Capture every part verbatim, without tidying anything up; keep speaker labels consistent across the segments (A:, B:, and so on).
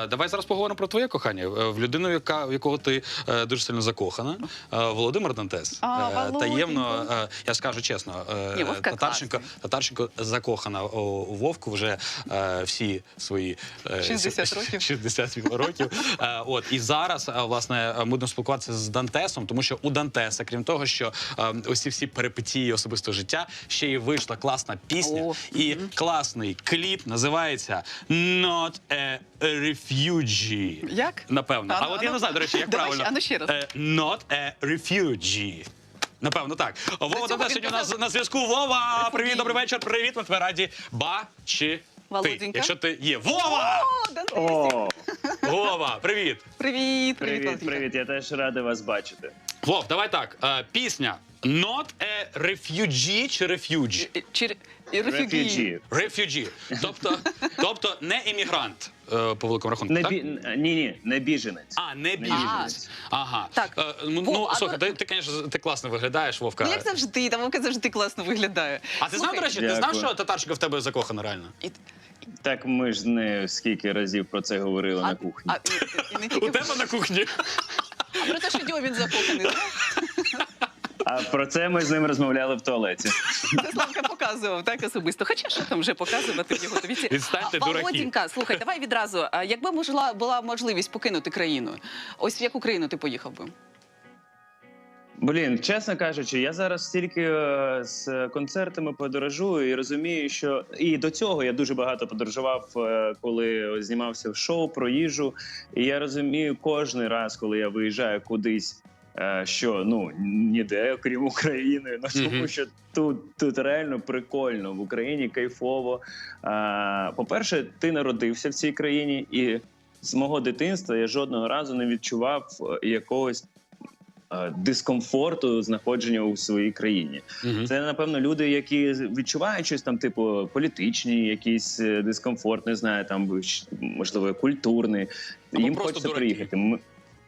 A: давай зараз поговоримо про твоє кохання. В людину, яка, в якого ти е, дуже сильно закохана. Е, Володимир Дантес.
B: А,
A: е, таємно, е, я скажу чесно, е,
B: Ні, Вовка
A: Татарченко, Татарченко закохана у, у Вовку вже е, всі свої е,
B: шістдесят років.
A: шістдесят років. Е, от, і зараз, е, власне, ми будемо спілкуватися з Дантесом, тому що у Дантеса, крім того, що е, ось ці всі перипетії особистого життя, ще й вийшла класна пісня.
B: О,
A: і угу. класний кліп називається «Not a Refugee».
B: Як?
A: Напевно. А,
B: А,
A: а от
B: а,
A: я не знаю, до речі, як
B: давай,
A: правильно.
B: а ну ще раз.
A: Uh, «Not a Refugee». Напевно, так. Вова Дантес сьогодні у нас на зв'язку. Вова, привіт, добрий вечір, привіт. Ми тебе раді бачити.
B: Володенька.
A: Якщо ти є. Вова!
B: О, Дантесик.
C: О,
A: Вова, привіт.
B: Привіт, привіт,
C: привіт,
B: Володенька.
C: привіт, я теж радий вас бачити.
A: Вов, давай так. Е, Пісня «Not a Refugee» чи «Refugee»?
B: Е, Чи і рефюгі.
C: Refugee.
A: «Refugee». Тобто, тобто не іммігрант, е, по великому рахунку,
C: Не
A: так?
C: бі... Ні, ні, не біженець.
A: А, не
C: біженець.
A: біженець. Ага.
B: Так.
A: Е, ну,
B: Вов,
A: ну,
B: а
A: слухай,
B: то-
A: ти, ти, конечно, ти класно виглядаєш, Вовка.
B: Ну, як завжди, там Вовка завжди класно виглядає.
A: А ти знав, до речі, ти знав,
C: Дякую.
A: що Татарченко в тебе закохана реально?
B: І-
C: Так ми ж не скільки разів про це говорили
B: а-
C: на кухні.
B: А, і, і не
A: У
B: тільки
A: тебе на кухні.
B: а про те, що Дьомін закоханий, да?
C: А про це ми з ним розмовляли в туалеті.
B: Це Славка показував, так, особисто. Хоча що там вже показувати в його віці.
A: Відстаньте,
B: А,
A: дураки.
B: Володінька, слухай, давай відразу. А якби можла, була можливість покинути країну, ось в яку країну ти поїхав би?
C: Блін, чесно кажучи, я зараз стільки е, з концертами подорожую і розумію, що і до цього я дуже багато подорожував, е, коли знімався в шоу про їжу. І я розумію кожен раз, коли я виїжджаю кудись, е, що ну ніде, окрім України, ну тому
A: Мгм.
C: що тут, тут реально прикольно, в Україні кайфово. Е, По-перше, ти народився в цій країні, і з мого дитинства я жодного разу не відчував е, якогось е, дискомфорту знаходження у своїй країні.
A: Мгм.
C: Це, напевно, люди, які відчувають щось там, типу, політичні, якийсь е, дискомфорт, не знаю, там, щ- можливо, культурний.
A: Або
C: Їм
A: просто
C: хочеться
A: дураки.
C: приїхати. М-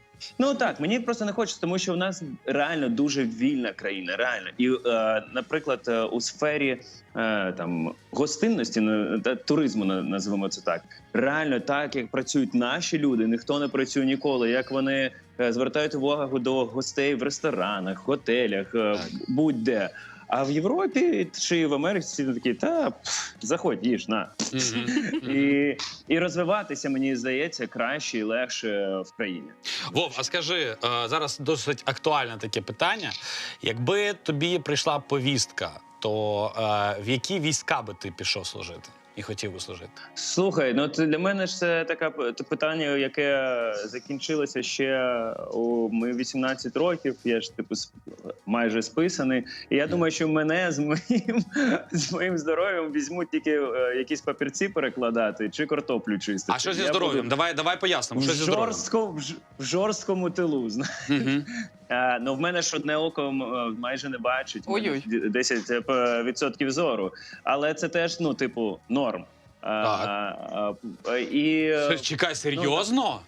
C: Ну так, мені просто не хочеться, тому що в нас реально дуже вільна країна, реально. І, е, наприклад, е, у сфері е, там гостинності на- та туризму, на- назвемо це так, реально так, як працюють наші люди, ніхто не працює ніколи, як вони е, звертають увагу до гостей в ресторанах, готелях, е,
A: Так.
C: будь-де. А в Європі чи в Америці всі такі, та пф, заходь, їж, на.
A: Мгм. Мгм.
C: І, і розвиватися, мені здається, краще і легше в країні.
A: Вов, а скажи, е, зараз досить актуальне таке питання. Якби тобі прийшла повістка, то е, в які війська би ти пішов служити і хотів би служити?
C: Слухай, ну це для мене ж це таке п- те питання, яке закінчилося ще у мої вісімнадцять років. Я ж типу сп- майже списаний. І я думаю, що мене з моїм з моїм здоров'ям візьмуть тільки е, якісь папірці перекладати чи картоплю чистити.
A: А що зі
C: Я
A: здоров'ям?
C: буду
A: Давай, давай пояснимо.
C: В,
A: Що зі здоров'ям?
C: жорстко, в, ж- в жорсткому тилу, знаєш.
A: Мгм.
C: Е, ну, в мене ж одне око м, майже не бачить, в мене
B: Ой-ой.
C: десять відсотків зору. Але це теж, ну, типу, норм. А,
A: Так.
C: а, і е,
A: Чекай, серйозно?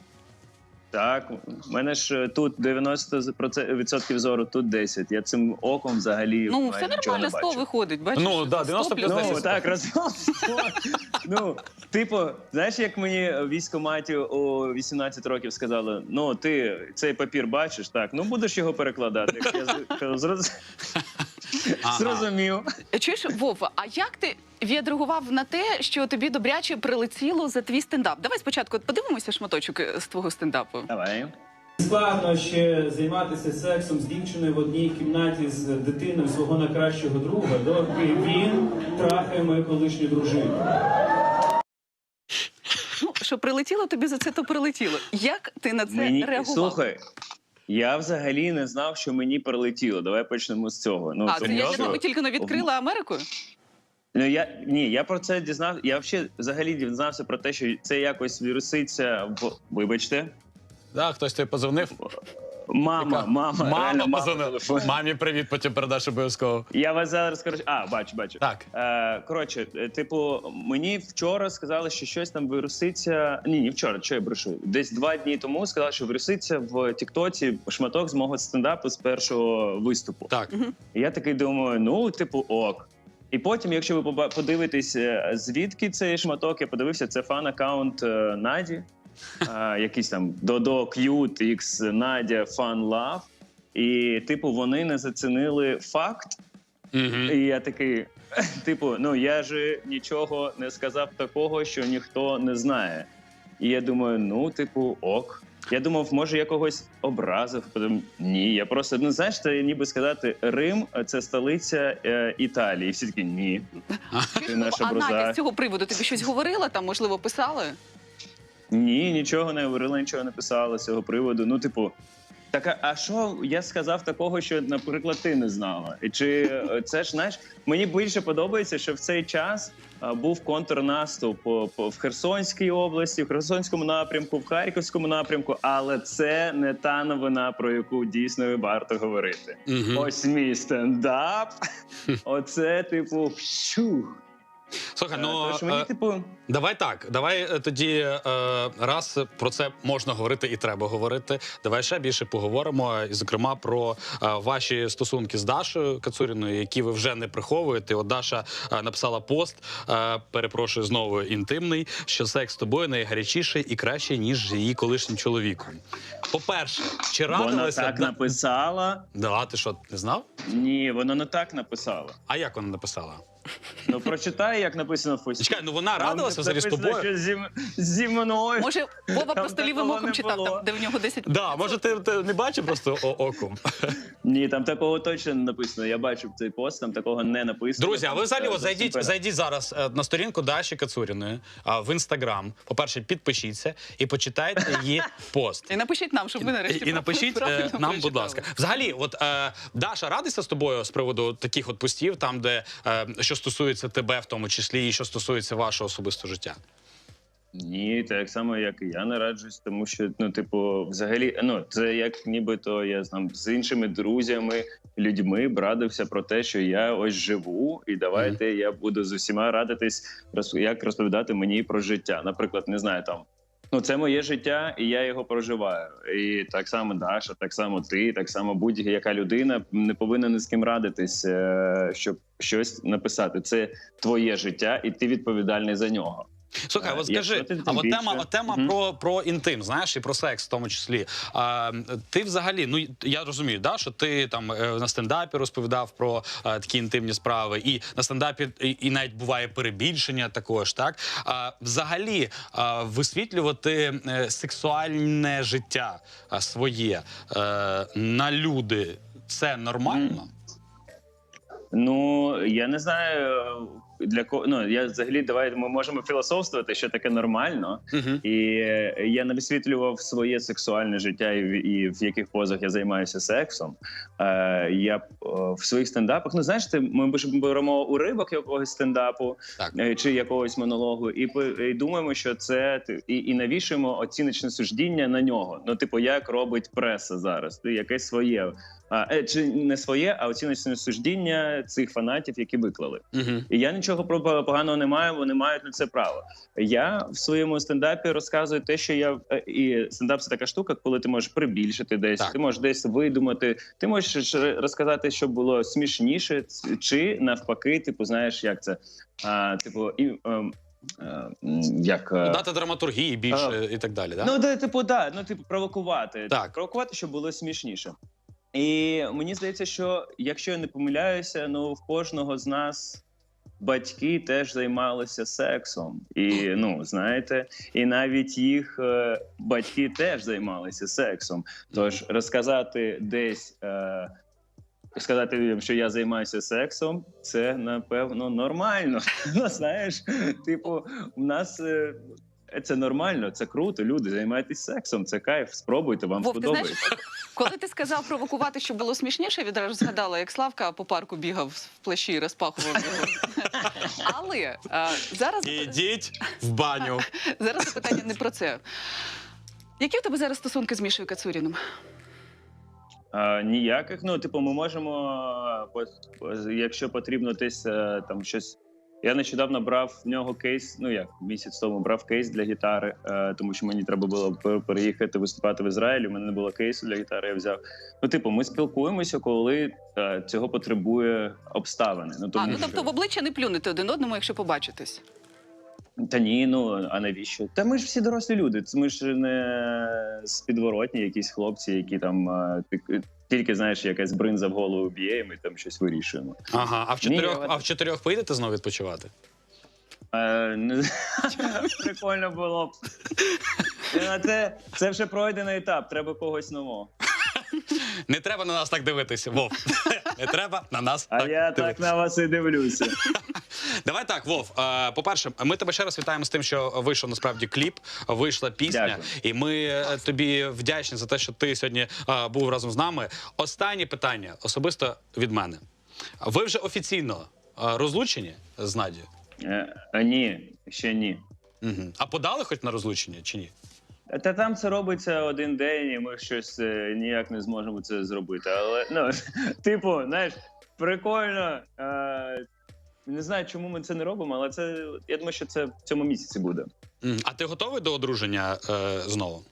C: так, в мене ж тут дев'яносто відсотків зору, тут десять. Я цим оком взагалі
B: Ну,
C: майже
B: все
C: нічого не
B: нормально, сто
C: бачу.
B: виходить, бачиш?
A: Ну, да,
B: сто
A: дев'яносто плюс
B: плюс
A: десять.
C: Ну, так, разом. Ну, типу, знаєш, як мені в військкоматі у вісімнадцять років сказали, ну, ти цей папір бачиш, так, ну, будеш його перекладати. Я з- кажу, «Зроз-
A: Ага.
C: зрозумів.
B: Чуєш, Вова, а як ти відреагував на те, що тобі добряче прилетіло за твій стендап? Давай спочатку подивимося шматочок е, з твого стендапу.
C: Давай.
D: Складно ще займатися сексом з дівчиною в одній кімнаті з дитиною свого найкращого друга, доки він трахає мою колишню дружину.
B: Ну, що прилетіло тобі за це, то прилетіло. Як ти на це
C: Мені,
B: реагував?
C: слухай, я взагалі не знав, що мені прилетіло. Давай почнемо з цього. Ну,
B: а, це
C: тому
B: я для
C: що-
B: тебе тільки не відкрила Америку?
C: Ну, я, ні, я про це дізнав. Я взагалі, взагалі дізнався про те, що це якось віруситься в... Вибачте.
A: Да, хтось тобі позвонив?
C: Мама,
A: Яка?
C: мама, реально,
A: Мама
C: мама
A: позвонила.
C: телефонує.
A: Мамі привіт, потім передаш обов'язково.
C: Я вас зараз скажу. А, бачу, бачу.
A: Так.
C: Е, коротше, е, типу, мені вчора сказали, що щось там вируситься. Ні, не вчора, що я брешу. Десь два дні тому сказали, що вируситься в Тіктоці шматок з мого стендапу з першого виступу.
A: Так.
C: І я такий думаю, ну, типу, ок. І потім, якщо ви поба- подивитесь, е, звідки цей шматок, я подивився, це фан-аккаунт е, Наді. а, якісь там Додо, К'ют, Ікс, Надя, Фан, Лав. І, типу, вони не зацінили факт.
A: Мгм.
C: І я такий, типу, ну я ж нічого не сказав такого, що ніхто не знає. І я думаю, ну, типу, ок. Я думав, може, я когось образив. Потім ні. Я просто, ну знаєш, це ніби сказати, Рим це столиця е, Італії. І всі такі ні. Ти наша
B: А Надя
C: броза.
B: з цього приводу тобі щось говорила, там, можливо, писали?
C: Ні, нічого не говорила, нічого не писала з цього приводу. Ну, типу, так, а- а що я сказав такого, що, наприклад, ти не знала? І чи е, це ж, знаєш, мені більше подобається, що в цей час а, був контрнаступ по, по, в Херсонській області, в Херсонському напрямку, в Харківському напрямку, але це не та новина, про яку дійсно варто говорити.
A: Мгм.
C: Ось мій стендап. Оце, типу, щух.
A: Слухай,
C: Е,
A: ну
C: Тож мені,
A: е,
C: типу,
A: давай так. Давай е, тоді е, раз про це можна говорити і треба говорити. Давай ще більше поговоримо, і зокрема про е, ваші стосунки з Дашою Кацуріною, які ви вже не приховуєте. От Даша е, написала пост, е, перепрошую знову інтимний, що секс з тобою найгарячіший і кращий, ніж з її колишнім чоловіком. По-перше, чи
C: вона
A: радилася?
C: так
A: Да-
C: написала.
A: Да, ти що, не знав?
C: Ні, вона не так написала.
A: А як вона написала?
C: Ну, прочитай, як написано в пості.
A: Чекай, ну вона
C: Там
A: радилася взагалі з
C: написано,
A: тобою?
C: що Зі, м- зі мною.
B: Може, Вова
C: Там
B: просто лівим
C: такого
B: оком
C: не
B: читав,
C: було.
B: там, де в нього десять...
A: Да, може ти, ти не бачив просто о- оком?
C: Ні, там такого точно не написано. Я бачив цей пост, там такого не написано.
A: Друзі, а ви взагалі
C: Там
A: от зайдіть,
C: супер.
A: зайдіть зараз е, на сторінку Даші Кацуріної а, в інстаграм. По-перше, підпишіться і почитайте її пост.
B: І напишіть нам, щоб ми нарешті
A: І, і напишіть е,
B: правильно
A: нам, будь
B: прочитали.
A: ласка. Взагалі, от е, Даша радиться з тобою з приводу таких от постів, там, де е, що стосується тебе, в тому числі, і що стосується вашого особистого життя.
C: Ні, так само, як і я не раджусь, тому що, ну, типу, взагалі, ну, це як нібито я там з іншими друзями, людьми брадився про те, що я ось живу, і давайте я буду з усіма радитись, роз- як розповідати мені про життя. Наприклад, не знаю, там, ну, це моє життя, і я його проживаю. І так само Даша, так само ти, так само будь-яка людина не повинна ні з ким радитись, е, щоб щось написати. Це твоє життя, і ти відповідальний за нього.
A: Слухай,
C: А,
A: от скажи,
C: якщо ти
A: а от
C: більше-
A: тема, от тема
C: Мгм.
A: про, про інтим, знаєш, і про секс в тому числі. А, ти взагалі, ну я розумію, да, що ти там е, на стендапі розповідав про е, такі інтимні справи, і на стендапі і, і навіть буває перебільшення також, так? А, взагалі, а, висвітлювати е, сексуальне життя а, своє е, на люди, це нормально?
C: Ну, я не знаю, для кого. Ну, я взагалі, давай ми можемо філософствувати, що таке нормально.
A: Угу.
C: І е, я не висвітлював своє сексуальне життя і, в- і в яких позах я займаюся сексом. Е, я е, в своїх стендапах, ну знаєш, ти, ми ж беремо уривок якогось стендапу
A: Так.
C: е, чи якогось монологу, і, по- і думаємо, що це ти- і, і навішуємо оціночне суждіння на нього. Ну, типу, як робить преса зараз, ти якесь своє. А, е, чи не своє, а оціночне суждіння цих фанатів, які виклали.
A: Угу.
C: І я нічого про поганого не маю, вони мають на це право. Я в своєму стендапі розказую те, що я е, і стендап це така штука, коли ти можеш прибільшити десь,
A: Так.
C: ти можеш десь видумати, ти можеш ж розказати, щоб було смішніше, ц- чи навпаки, типу, знаєш, як це, а, типу, і. ем, е, м, як е,
A: Дати драматургії більше і так далі, да?
C: Ну, де, типу, да, ну, типу, провокувати.
A: Так.
C: Провокувати, щоб було смішніше. І мені здається, що якщо я не помиляюся, ну в кожного з нас батьки теж займалися сексом. І ну, знаєте, і навіть їх е, батьки теж займалися сексом. Тож розказати десь. Е, Сказати людям, що я займаюся сексом, це напевно нормально. Ну, знаєш, типу, у нас е, це нормально, це круто. Люди займайтесь сексом, це кайф. Спробуйте, вам
B: Вов, ти знаєш,
C: сподобається.
B: коли ти сказав провокувати, щоб було смішніше, я відразу згадала, як Славка по парку бігав в плащі і розпахував його. Але а, зараз,
A: Ідіть в баню.
B: зараз запитання не про це. Які в тебе зараз стосунки з Мішою Кацуріним?
C: А, ніяких. Ну, типу, ми можемо, е, по- якщо потрібно, десь е, там щось. Я нещодавно брав в нього кейс. Ну як місяць тому брав кейс для гітари, е, тому що мені треба було пер- переїхати виступати в Ізраїлі. У мене не було кейсу для гітари. Я взяв. Ну, типу, ми спілкуємося, коли е, цього потребує обставини. Ну, тому
B: А, ну
C: що...
B: тобто в обличчя не плюнете один одному, якщо побачитесь.
C: Та ні, ну а навіщо? Та ми ж всі дорослі люди. Це ми ж не з підворотні якісь хлопці, які там а, ти- тільки знаєш, якась бринза в голову б'є, і ми там щось вирішуємо.
A: Ага, а в
C: Ні,
A: чотирьох,
C: я-
A: а в чотирьох поїдете знову відпочивати?
C: Е, не- Прикольно було б. Е, Це, це вже пройдений етап, треба когось нового.
A: Не треба на нас так дивитися, Вов. Не треба на нас
C: А
A: так
C: я
A: дивитися.
C: так на вас і дивлюся.
A: Давай так, Вов. е, По-перше, ми тебе ще раз вітаємо з тим, що вийшов насправді кліп, вийшла пісня,
C: Дякую.
A: і ми е, тобі вдячні за те, що ти сьогодні е, був разом з нами. Останнє питання особисто від мене. Ви вже офіційно е, розлучені з Надією?
C: Е, а ні, ще ні.
A: Угу. А подали хоч на розлучення чи ні?
C: Та там це робиться один день, і ми щось е, ніяк не зможемо це зробити. Але ну, типу, знаєш, прикольно. Е, не знаю, чому ми це не робимо, але це я думаю, що це в цьому місяці буде.
A: Мгм. А ти готовий до одруження е, знову?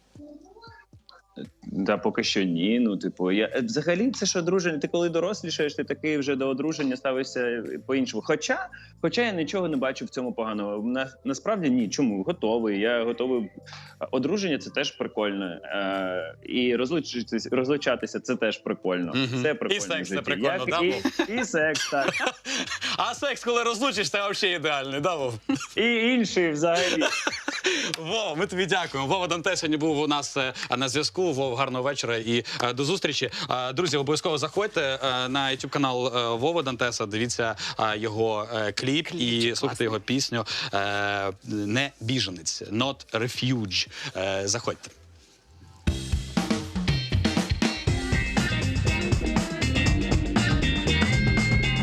C: Та поки що ні. Ну, типу, я е, взагалі це ж одруження. Ти коли дорослішаєш, ти такий вже до одруження ставишся по-іншому. Хоча, хоча я нічого не бачу в цьому поганого. На, насправді ні. Чому? Готовий. Я готовий. Одруження це теж прикольно. Е, і розлучитися, розлучатися це теж прикольно.
A: Мгм.
C: Це
A: І
C: прикольно.
A: секс
C: в
A: це
C: житті.
A: прикольно,
C: Як
A: да,
C: і,
A: Вов?
C: і секс, так.
A: А секс, коли розлучишся, взагалі ідеальний, да, Вов?
C: І інший взагалі.
A: Вова, ми тобі дякуємо. Вова Данте сьогодні був у нас е, на зв'язку. Вов, гарного вечора і е, до зустрічі. Е, Друзі, обов'язково заходьте е, на YouTube канал е, Вова Дантеса, дивіться е, його е, кліп і слухайте його пісню е, «Не біженець», «Not Refuge». Е, Заходьте.